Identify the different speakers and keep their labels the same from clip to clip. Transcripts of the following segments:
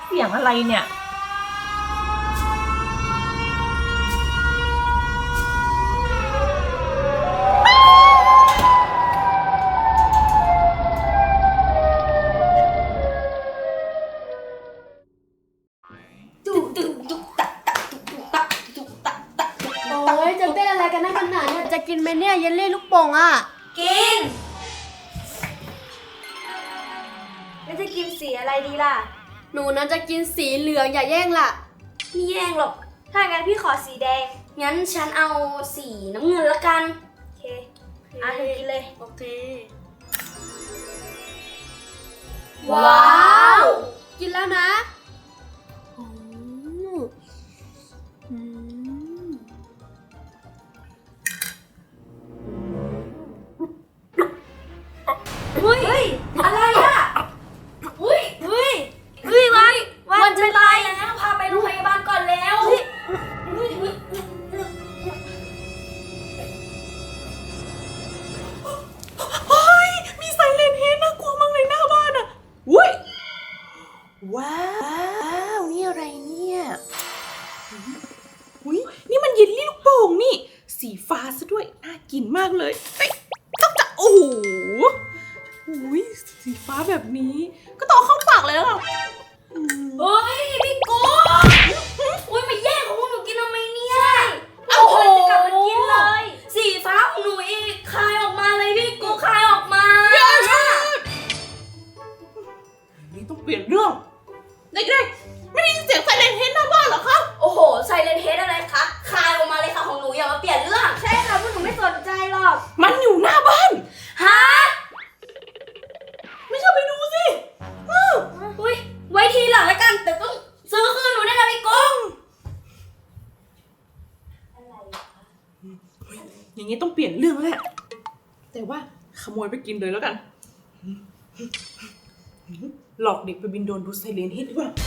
Speaker 1: เสียงอะไรเนี่ย
Speaker 2: โอ้ยจะเต้นอะไรกันนักกันหนาเนี่ยจะกินไหมเนี่ยเยลลี่ลูกโป่งอ่ะ
Speaker 3: กินแล้วจะกินสีอะไรดีล่ะ
Speaker 2: หนูนั้นจะกินสีเหลืองอย่าแย่งล่ะ
Speaker 3: ไม่แย่งหรอกถ้างั้นพี่ขอสีแดงงั้นฉันเอาสีน้ำเงินละกันโอเคอ่ะเธอกินเลย
Speaker 2: โอเค
Speaker 3: ว้าว
Speaker 2: กินแล้วนะ
Speaker 3: เฮ้ยอะไรอ่ะเฮ้ยวันจะตายแล้วพาไปโรงพยาบาลก่อนแล้ว
Speaker 1: มีไซเรนเฮดน่ากลัวมากเลยหน้าบ้านอ่ะอุ้ยว้าวนี่อะไรเนี่ยอุ้ยนี่มันเยลลี่ลูกโป่งนี่สีฟ้าซะด้วยน่ากินมากเลยเฮ้ยต้องจะโอ้โหอุ้ยสีฟ้าแบบนี้ก็ต้องเข้าปากเลยแล้วอ่ะ
Speaker 3: เฮ้ยพี่กุ๊กอุ้ยมาแย่งของพวกหนูกินทำไมเนี่ยโอ้โหกลับมากินเลยสีฟ้าของหนูอีกคายออกมาเลยพี่กุ๊กคายออกมา
Speaker 1: นี่ต้องเปลี่ยนเรื่องเด็กๆไม่ได้ยินเสียงไซเรนเฮดหน้าบ้านเหรอคะ
Speaker 3: โอ้โหไซเรนเฮดอะไรคะคายออกมาเลยค่ะของหนูอย่ามาเปลี่ยนเรื่องใช่ค่ะพวกหนูไม่สนใจหรอก
Speaker 1: มันอยู่หน้าบ้าน
Speaker 3: ฮะ
Speaker 1: ไม่ใช่ไปดูสิ
Speaker 3: อุ้ยไว้ทีหลังแล้วกันแต่ต้องซื้อคืนหนูได้นะพี่กุ้ง
Speaker 1: อย่างนี้ต้องเปลี่ยนเรื่องแล้วแหละแต่ว่าขโมยไปกินเลยแล้วกันหลอกเด็กไปบินโดรนดูไซเรนเฮดดีกว่า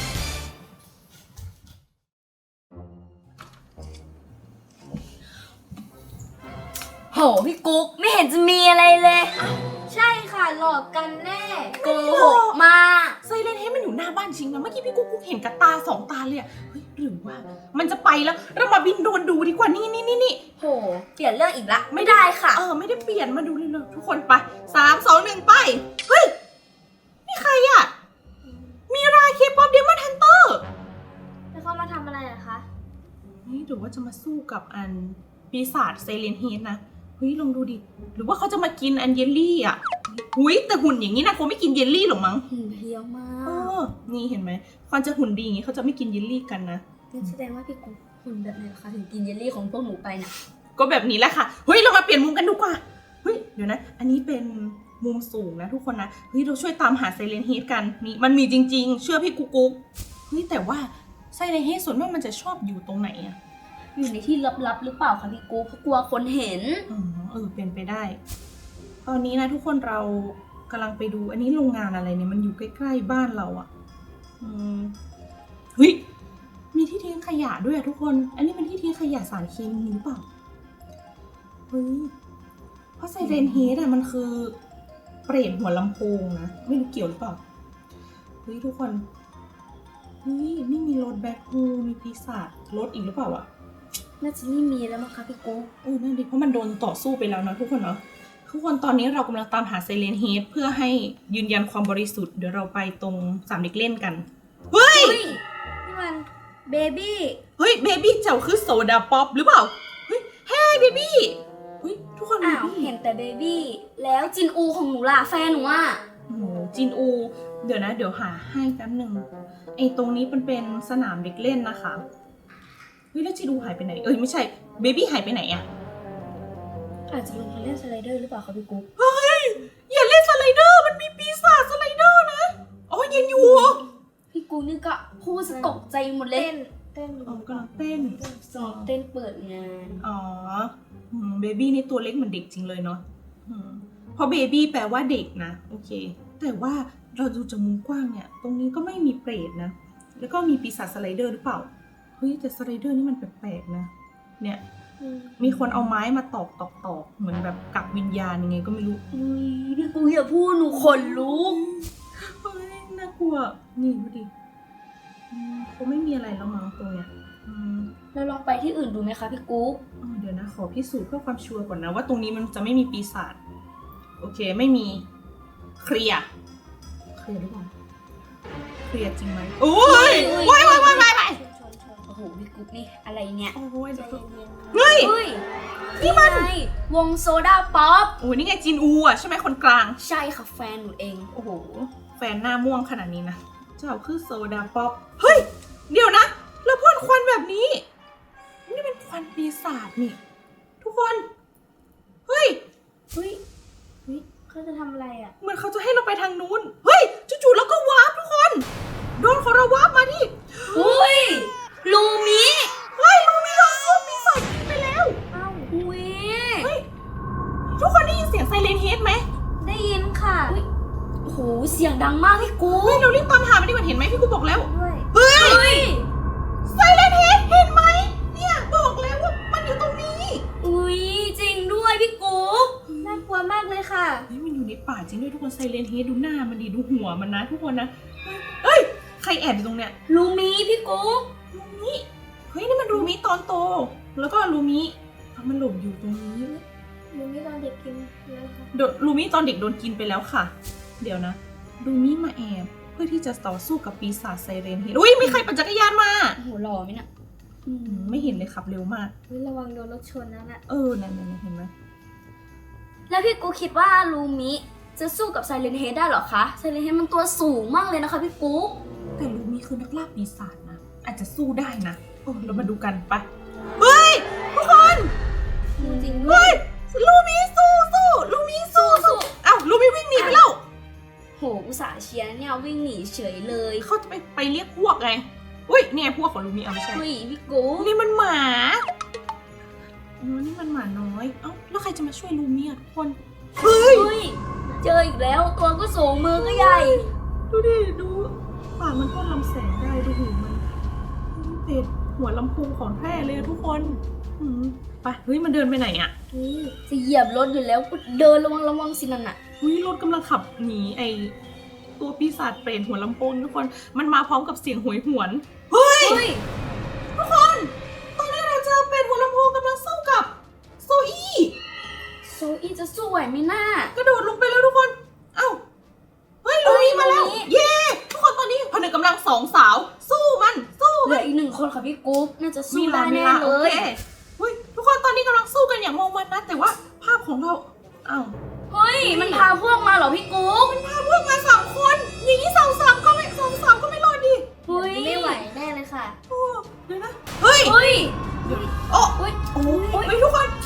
Speaker 3: โหพี่กุ๊กไม่เห็นจะมีอะไรเลยใช่ค่ะหลอกกันแน่โกหกมา
Speaker 1: ไซเรนเฮดมันอยู่หน้าบ้านจริงนะเมื่อกี้พี่กุ๊กเห็นกับตา2 ตาเลยเฮ้ยหรือว่ามันจะไปแล้วเรามาบินโดรนดูดีกว่านี่
Speaker 3: โหเปลี่ยนเรื่องอีกละไม่ได้ค่ะ
Speaker 1: ไม่ได้เปลี่ยนมาดูเลยทุกคนไป3 2 1ไปเฮ้ยนี่ใครอ่ะมีราเคป๊อปเดมอนฮันเตอร์
Speaker 3: แล้วเขามาทำอะไรอะคะ
Speaker 1: นี่หรือว่าจะมาสู้กับอันปีศาจไซเรนเฮดนะเฮ้ยลองดูดิหรือว่าเขาจะมากินอันเยลลี่อ่ะหุ้ยแต่หุ่นอย่างนี้นะคงไม่กินเยลลี่หรอกมั้ง
Speaker 3: หุ่นเพียวมาก
Speaker 1: นี่เห็นไหมความจะหุ่นดีอย่างนี้เขาจะไม่กินเยลลี่กันนะ
Speaker 3: แสดงว่าพี่กุ๊กหุ่นแบบไหนคะถึงกินเยลลี่ของพวกหนูไปนะ
Speaker 1: ก็แบบนี้แหละค่ะเฮ้ยเรามาเปลี่ยนมุมกันดูกว่าเฮ้ยเดี๋ยวนะอันนี้เป็นมุมสูงนะทุกคนนะเฮ้ยเราช่วยตามหาไซเรนเฮดกันนี่มันมีจริงๆเชื่อพี่กุ๊กเฮ้ยแต่ว่าไซเรนเฮดส่วนมากมันจะชอบอยู่ตรงไหนอะ
Speaker 3: อยู่ในที่ลับๆหรือเปล่าคะพี่กุ๊กเพราะกลัวคนเห็น
Speaker 1: เป็นไปได้ตอนนี้นะทุกคนเรากำลังไปดูอันนี้โรงงานอะไรเนี่ยมันอยู่ใกล้ๆบ้านเราอะเฮ้ยมีที่ทิ้งขยะด้วยอะทุกคนอันนี้เป็นที่ทิ้งขยะสารเคมีหรือเปล่าเฮ้ยเพราะไซเรนเฮดอะมันคือเปรตหัวลำโพงนะไม่รู้เกี่ยวหรือเปล่าเฮ้ยทุกคนเฮ้ยนี่มีรถแบ็คโฮมีปีศาจรถอีกหรือเปล่าอะ
Speaker 3: น่าจะไม่มีแล้วมั้งคะพี่กุ๊ก
Speaker 1: นั่นดิเพราะมันโดนต่อสู้ไปแล้วนะทุกคนเนาะทุกคนตอนนี้เรากำลังตามหาไซเรนเฮดเพื่อให้ยืนยันความบริสุทธิ์เดี๋ยวเราไปตรงสามเด็กเล่นกันเฮ้ย
Speaker 3: นี่มันเบบี้
Speaker 1: เฮ้ยเบบี้เจ้าคือโซดาป๊อปหรือเปล่าเฮ้ยเฮ้ยเบบี้เฮ้ยทุกคน
Speaker 3: เห็นแต่เบบี้แล้วจินอูของหนูล่ะแฟนหนูอ่ะ
Speaker 1: จินอูเดี๋ยวนะเดี๋ยวหาให้แป๊บหนึ่งไอ้ตรงนี้มันเป็นสนามเด็กเล่นนะคะเฮ้ยแล้วจินอูหายไปไหนไม่ใช่เบบี้หายไปไหนอะ
Speaker 3: อาจจะลงมาเล่นสไลเดอร์หรือเปล่าคะพี่กุ๊ก
Speaker 1: เฮ้ยอย่าเล่นสไลเดอร์มันมีปีศาจสไลเดอร์นะยังอยู่
Speaker 3: พี่กุ๊กนี่ก็พูดสะตกใจหมดเลย
Speaker 1: เต้นกำลังเต้น
Speaker 3: เต้นเปิดงาน
Speaker 1: เบบี้นี่ตัวเล็กเหมือนเด็กจริงเลยเนาะเพราะเบบี้แปลว่าเด็กนะโอเคแต่ว่าเราดูจากมุมกว้างเนี่ยตรงนี้ก็ไม่มีเปรตนะแล้วก็มีปีศาจสไลเดอร์หรือเปล่าเฮ้ยแต่สไลเดอร์นี่มันแปลกๆนะเนี่ยมีคนเอาไม้มาตอกเหมือนแบบกักวิญญาณยังไงก็ไม่รู้
Speaker 3: พี่กุ๊กอย่าพูดหนูขนลุก
Speaker 1: เฮ้ยน่ากลัวนี่ดูดิคงไม่มีอะไรแล้วมั้งตรงเนี้ย
Speaker 3: เราลองไปที่อื่นดูไหมคะพี่กุ๊ก
Speaker 1: เดี๋ยวนะขอพิสูจน์เพื่อความชัวร์ก่อนนะว่าตรงนี้มันจะไม่มีปีศาจโอเคไม่มีเคลียร์หรือเปล่าเคลียร์จริงไหมโอ้ยว้าย
Speaker 3: โอ้โหพี่กุ๊กนี่อะไรเนี่ย
Speaker 1: โอ้ย
Speaker 2: ใจเย็น
Speaker 1: เฮ้ย
Speaker 3: นี่มันวงโซดาป๊อป
Speaker 1: โอ้ยนี่ไงจินอูอ่ะใช่ไหมคนกลาง
Speaker 3: ใช่ค่ะแฟนหนูเอง
Speaker 1: โอ้โหแฟนหน้าม่วงขนาดนี้นะเจ้าคือโซดาป๊อปเฮ้ยเดี๋ยวนะแล้วพ่นควันแบบนี้นี่เป็นควันปีศาจนี่ทุกคนเฮ้ย
Speaker 2: เฮ้ยเขาจะทำอะไรอ่ะ
Speaker 1: เหมือนเขาจะให้เราไปทางนู้นเฮ้ยจู่ๆแล้วก็วาร์ปทุกคนโดนของเราวาร์ปมาที่
Speaker 3: อุ้ยลูมิ
Speaker 1: เฮ้ยลูมิเราสู้ปีศาจไปแล้ว
Speaker 2: อ้าว
Speaker 3: อุ้ย
Speaker 1: เฮ้ยทุกคนได้ยินเสียงไซเรนเฮดไหม
Speaker 2: ได้ยินค่ะ
Speaker 3: โอ้โหเสียงดังมากพี่กุ๊
Speaker 1: เฮ้ย
Speaker 3: ก
Speaker 1: เรารีบตามหามันดีกว่าเห็นไหมพี่กูบอกแล้ว
Speaker 2: ด้วย
Speaker 1: เฮ้ย
Speaker 3: เฮ้ย
Speaker 1: ไซเรนเฮดเห็นไหมเนี่ยบอกแล้วว่ามันอยู่ตรงนี้
Speaker 3: อุ้ยจริงด้วยพี่กุ๊ก
Speaker 2: น่ากลัวมากเลยค่ะ
Speaker 1: เฮ้ยมันอยู่ในป่าจริงด้วยทุกคนไซเรนเฮดดูหน้ามันดีดูหัวมันนะทุกคนนะเฮ้ยใครแอบอยู่ตรงเนี้ย
Speaker 3: ลูมิพี่กุ๊ก
Speaker 1: ลูมิเฮ้ยนี่มันลูมิตอนโต แล้วก็ลูมิมันหลบอยู่ตรงนี้
Speaker 2: ลูมิตอนเด็กกินแล้วค่ะ
Speaker 1: ลูมิตอนเด็กโดนกินไปแล้วค่ะ เดี๋ยวนะลูมิมาแอบเพื่อที่จะต่อสู้กับปีศาจไซเรนเฮดอุ้ยมีใครปั่นจักรยานมา
Speaker 3: โอ้โหหล่อไหมเนี่ย
Speaker 1: ไม่เห็นเลยขับเร็วมาก
Speaker 2: เฮ้ยระวังโดนรถชนนะน่ะ
Speaker 1: นั่นเห็นไหม
Speaker 3: แล้วพี่กุ๊กคิดว่าลูมิจะสู้กับไซเลนเฮดได้เหรอคะไซเลนเฮดมันตัวสูงมากเลยนะคะพี่กุ๊ก
Speaker 1: แต่ลูมิคือนักล่าปีศาจนะอาจจะสู้ได้นะเรามาดูกันไปเฮ้ยทุกคน
Speaker 2: จริงๆด้วย
Speaker 1: ลูมิสู้ลูมิสู้อ้าวลูมิวิ่งหนีไปแล้ว
Speaker 3: โหอุตส่าห์เชียร์เนี่ยวิ่งหนีเฉยเลย
Speaker 1: เขาจะไปเรียกพวกไงอุ้ยเนี่ยพวกของลูมิเอาไม่ใช่
Speaker 3: เฮ้ยพี่กุ๊ก
Speaker 1: นี่มันหมานี่มันหมาน้อยเอ้าแล้วใครจะมาช่วยลูมิอ่ะทุกคนเฮ้ย
Speaker 3: เฮ้ยเจออีกแล้วตัวก็สูงมือก็ใหญ่
Speaker 1: ดูดิดูปากมันก็ลำแสงได้ดูหูมันเป็ดหัวลำโพงของแท้เลยอะทุกคนไปเฮ้ยมันเดินไปไหนอ่ะ
Speaker 3: จะเหยียบรถอยู่แล้วก็เดินระวังสินั่นน่ะ
Speaker 1: เฮ้ยรถกำลังขับหนีไอตัวปีศาจเปรตหัวลำโพงทุกคนมันมาพร้อมกับเสียงโหยหวนเฮ้ย
Speaker 3: เฮ้ย
Speaker 1: ทุกคนตอนนี้เราเจอเปรตหัวลำโพงกำลังสู้กับโซอี้
Speaker 3: โซอีจะสู้ไหวไหมน่าก
Speaker 1: ระโดดลงไปแล้วทุกคนเอ้าเฮ้ยลูมิมาแล้วเย้ทุกคนตอนนี้ผนึกกำลังสองสาวสู้มันสู้
Speaker 3: เหลืออีกหนึ่งคนค่ะพี่กุ๊กน่าจะสู้ได้แน่เล
Speaker 1: โอย เคเฮ้ยทุกคนตอนนี้กำลังสู้กันอย่างงงมันนะแต่ว่าภาพของเราเอ้า
Speaker 3: เฮ้ยมันพาพวกมาเหรอพี่กุ๊ก
Speaker 1: พาพวกมา3 คนอย่างนี้สามก็ไม่รอดดิ
Speaker 3: เฮ้ย
Speaker 2: ไม่ไหวแน่เลยค่ะ
Speaker 1: โอ้เดี๋ยวนะเฮ้ย
Speaker 3: เฮ้ย
Speaker 1: โอ้
Speaker 3: เฮ้ย
Speaker 1: โอ้ยทุกคน